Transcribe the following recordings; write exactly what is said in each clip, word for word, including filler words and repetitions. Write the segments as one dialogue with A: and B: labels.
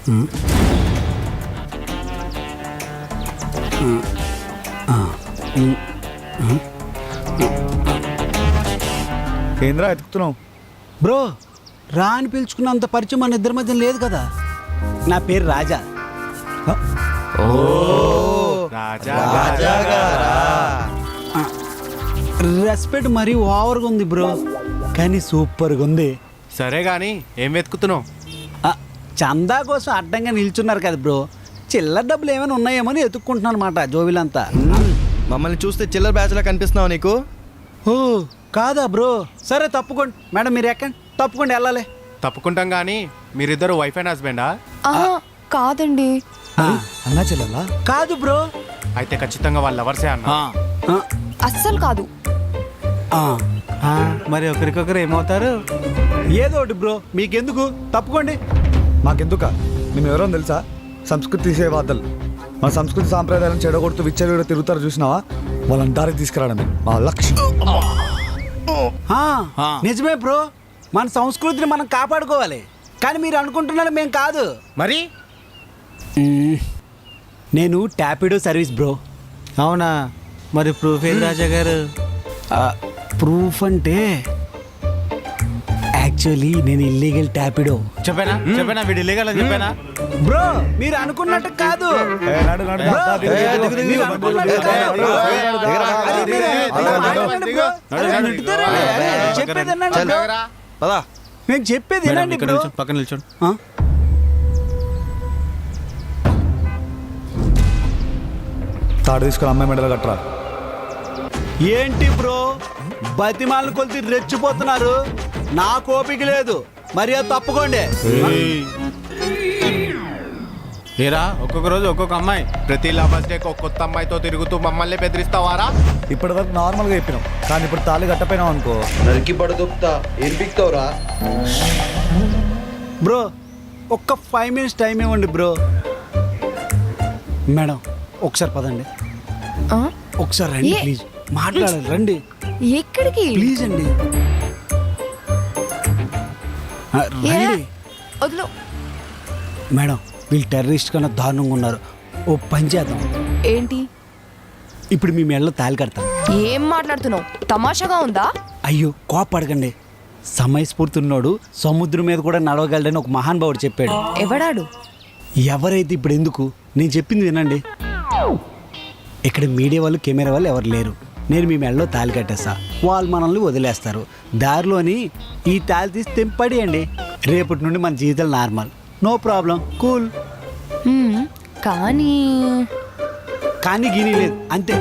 A: ఏంద్రా ఎతుకుతున్నావు?
B: బ్రో, రా అని పిలుచుకున్నంత పరిచయం మన ఇద్దరి మధ్య లేదు కదా. నా పేరు రాజా. రెస్పెక్ట్ మరీ ఓవర్గా ఉంది బ్రో, కానీ సూపర్గా ఉంది.
C: సరే గాని ఏం వెతుకుతున్నావు?
B: ఆ, చందా కోసం అడ్డంగా నిల్చున్నారు కదా బ్రో, చిల్లర డబ్బులు ఏమైనా ఉన్నాయేమో అని ఎత్తుక్కుంటున్నాను అనమాట జోబిలంతా.
D: మమ్మల్ని చూస్తే చిల్లర బ్యాచ్లా కనిపిస్తున్నావు నీకు?
B: ఓ కాదా బ్రో? సరే తప్పుకోండి మేడం, మీరు ఎక్కండి, తప్పుకోండి వెళ్ళాలి.
C: తప్పుకుంటాం గానీ మీరిద్దరు వైఫ్ అండ్ హస్బెండా?
E: కాదండి.
A: అన్నా చెల్లెలా?
B: కాదు బ్రో.
C: అయితే ఖచ్చితంగా వాళ్ళ లవర్సే అన్న.
B: ఆ,
E: అస్సలు కాదు.
B: ఆ,
A: ఆ, మరి ఒకరికొకరు ఏమవుతారు?
B: ఏదో ఒకటి బ్రో, మీకెందుకు, తప్పుకోండి.
A: మాకెందుక? మేము ఎవరో తెలుసా? సంస్కృతి సేవాదలు. మన సంస్కృతి సాంప్రదాయాలను చెడగొడుతూ విచ్చలవిడ తిరుగుతారు చూసినావా? వాళ్ళని దారికి తీసుకురావడమే మా లక్ష్యం.
B: ఆ, నిజమే బ్రో, మన సంస్కృతిని మనం కాపాడుకోవాలి. కానీ మీరు అనుకుంటున్నారు మేము కాదు.
D: మరి
B: నేను టాపిడో సర్వీస్ బ్రో.
A: అవునా? మరి ప్రూఫ్ ఏం రాజా గారు?
B: ప్రూఫ్ అంటే యాక్చువల్లీ నేను ఇల్లీగల్ టాపిడో.
C: చెప్పానా చెప్పానా వీడు ఇల్లీగల్ అని చెప్పానా?
B: బ్రో మీరు అనుకున్నట్టు కాదు.
A: ఏ, నడు, నడు,
B: బ్రో,
A: దా, దిగు, దిగు, దిగు, దిగు,
B: మీరు
A: దిగు,
B: అనుకున్నట్టు
A: దిగు,
B: కాదు, బ్రో.
A: దిగు, దిగు,
B: అది
A: దిగు,
B: మీరు-
A: దిగు,
B: అలా
A: దిగు,
B: మాట్లాడండి బ్రో. అరే,
C: దిగు,
B: నెట్టుతారండి. అరే, చెప్పేది వినండి బ్రో.
D: పదా
B: నేను చెప్పేది వినండి బ్రో.
C: పక్కన నిల్చోండి.
B: ఆ?
A: తాడు తీసుకుని అమ్మాయి మెడలు కట్టరా.
B: ఏంటి బ్రో, బతిమాలను కొలిసి రెచ్చిపోతున్నారు? నా కోపిక లేదు, మరి అది తప్పుకోండి.
C: ఏరా ఒక్కొక్క రోజు ఒక్కొక్క అమ్మాయి, ప్రతి లవర్స్ డే ఒక కొత్త అమ్మాయితో తిరుగుతూ మమ్మల్ని బెదిరిస్తావారా?
A: ఇప్పటి వరకు నార్మల్గా చెప్పినాం, కానీ ఇప్పుడు తాళి కట్టపోయినాం అనుకో,
D: నరికి పడదొప్తా ఏం పిక్తావురా?
B: బ్రో ఒక్క ఫైవ్ మినిట్స్ టైం ఇవ్వండి బ్రో. మేడం ఒకసారి పదండి,
E: ఆ?
B: ఒకసారి రండి
E: ఏ?
B: ప్లీజ్, మాట్లాడాలి రండి
E: ఎక్కడికి?
B: ప్లీజ్ అండి. ఆ,
E: ఏ?
B: రండి
E: వదిలో.
B: మేడం, వీళ్ళు టెర్రరిస్ట్ కన్నా దారుణంగా ఉన్నారు. ఓ పని చేద్దాం,
E: ఏంటి?
B: ఇప్పుడు మీ మెడలో తాళి కడతాం.
E: ఏం మాట్లాడుతున్నావు? తమాషాగా ఉందా?
B: అయ్యో కోపడకండి, సమయస్ఫూర్తి ఉన్నోడు సముద్రం మీద కూడా నడవగలడని ఒక మహానుభావుడు చెప్పాడు.
E: ఎవడాడు?
B: ఎవరైతే ఇప్పుడు ఎందుకు, నేను చెప్పింది వినండి. ఇక్కడ మీడియా వాళ్ళు కెమెరా వాళ్ళు ఎవరు లేరు. నేను మీ మెడలో తాళి కట్టేస్తా, వాళ్ళు మనల్ని వదిలేస్తారు. దారిలోని ఈ తాళి తీసి తెంపడేయండి. రేపటి నుండి మన జీవితాలు నార్మల్, నో ప్రాబ్లం, కూల్.
E: హ్మ్, కానీ
B: కానీ గీనీ లేదు, అంతే.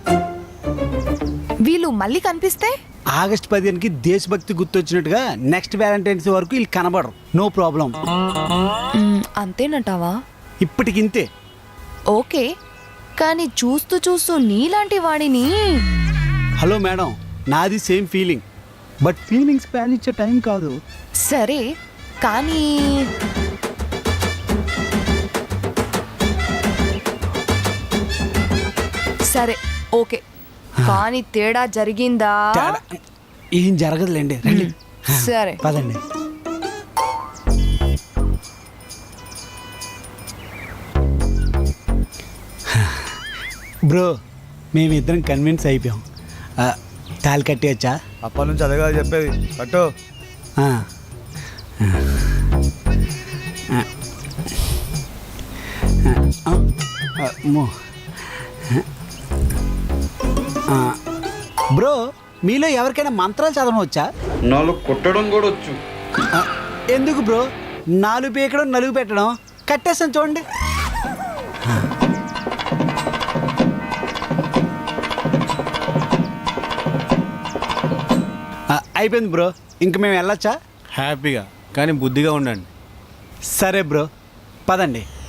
E: వీళ్ళు మళ్ళీ కనిపిస్తే?
B: ఆగస్ట్ పదిహేనుకి దేశభక్తి గుర్తొచ్చినట్టుగా నెక్స్ట్ వ్యాలంటైన్స్ వరకు వీళ్ళు కనబడరు, నో ప్రాబ్లం.
E: హ్మ్, అంతేనంటావా?
B: ఇప్పటికింతే.
E: ఓకే, కానీ చూస్తూ చూస్తూ నీలాంటి వాడిని.
B: హలో మేడం, నాది సేమ్ ఫీలింగ్, బట్ ఫీలింగ్స్ ప్యాన్ ఇచ్చే టైం కాదు.
E: సరే కానీ సరే ఓకే, కానీ తేడా జరిగిందా?
B: తేడా ఏం జరగదులేండి, రండి.
E: సరే
B: పదండి. బ్రో మేమిద్దరం కన్విన్స్ అయిపోయాం. ఆ, తాళి కట్టేయచ్చా?
A: అప్పటి నుంచి అదే కదా చెప్పేది, కట్టు.
B: ఆ. ఆ. ఆ, అమ్మో. ఆ, బ్రో మీలో ఎవరికైనా మంత్రాలు చదవడం వచ్చా?
D: నాలుగు కొట్టడం కూడా వచ్చు.
B: ఆ, ఎందుకు బ్రో, నాలుగు పీకడం నలుగు పెట్టడం, కట్టేస్తాను చూడండి. ఆ, అయిపోయింది బ్రో, ఇంక మేము వెళ్ళొచ్చా?
C: హ్యాపీగా కానీ బుద్ధిగా ఉండండి.
B: సరే బ్రో, పదండి.